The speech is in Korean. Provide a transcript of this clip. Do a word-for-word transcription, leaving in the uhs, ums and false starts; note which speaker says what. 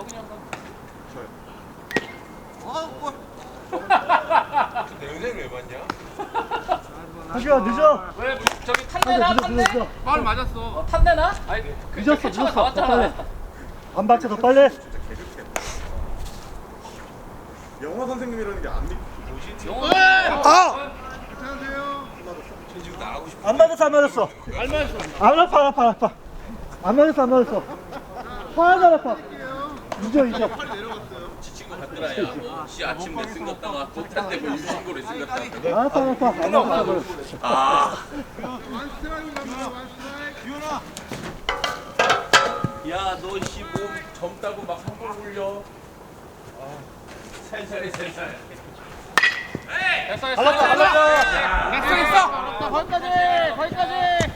Speaker 1: 내 영상을 왜 봤냐?
Speaker 2: 하지마 늦어.
Speaker 3: 왜 저기 탔내나
Speaker 2: 늦어
Speaker 3: 탔내?
Speaker 2: 늦어.
Speaker 4: 파울 맞았어.
Speaker 3: 어, 탔내나? 아니 그
Speaker 2: 늦었어
Speaker 3: 캡처가
Speaker 2: 늦었어. 더
Speaker 3: 나왔잖아.
Speaker 2: 빨리. 안 박혀 더 빨리.
Speaker 1: 영어 선생님이라는 게 안 믿.
Speaker 3: 영어.
Speaker 2: 아!
Speaker 4: 안녕하세요.
Speaker 1: 저 지금 나가고 싶어.
Speaker 2: 안 맞았어 안 맞았어.
Speaker 4: 안 맞았어.
Speaker 2: 안 아파 안 아파 안 아파. 안 맞았어 안 맞았어. 하나도 안 아파. 잊어 잊어.
Speaker 4: 팔이 내려갔어요.
Speaker 5: 지친 것 같더라. 야, 뭐, 씨 아침 레슨 갔다가 못할 때뭐 유신고 레슨 갔다가.
Speaker 2: 안 아파 안 아파 안 아파 안 아파.
Speaker 5: 아,
Speaker 4: 완 스트라이크 갑니다. 완 스트라이크. 기현아.
Speaker 5: 야, 너 씨 몸 젊다고 막 한번 올려. 아, 살살해, 살살.
Speaker 3: 됐어 됐어.
Speaker 2: 갈랐다 갈랐다.
Speaker 3: 됐어 됐어. 거기까지 거기까지.